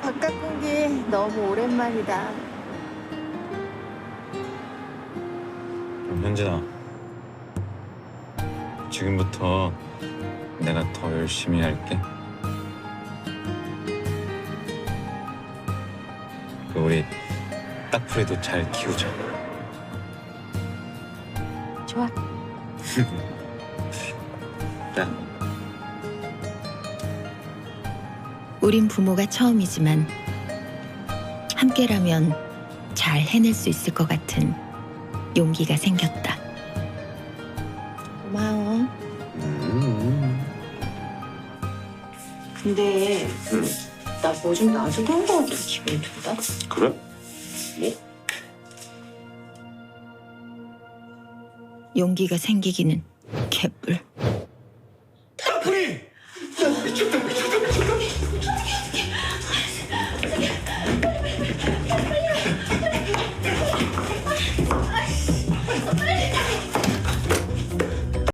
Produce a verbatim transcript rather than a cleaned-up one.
바깥 공기 너무 오랜만이다. 현진아, 지금부터 내가 더 열심히 할게. 우리 딱풀이도 잘 키우자. 좋아. 자. 우린 부모가 처음이지만 함께라면 잘 해낼 수 있을 것 같은 용기가 생겼다. 고마워. 음. 근데 응. 나 뭐 좀 놔줘도 한거 같은 기분이 든다. 그래? 뭐? 용기가 생기기는 개뿔.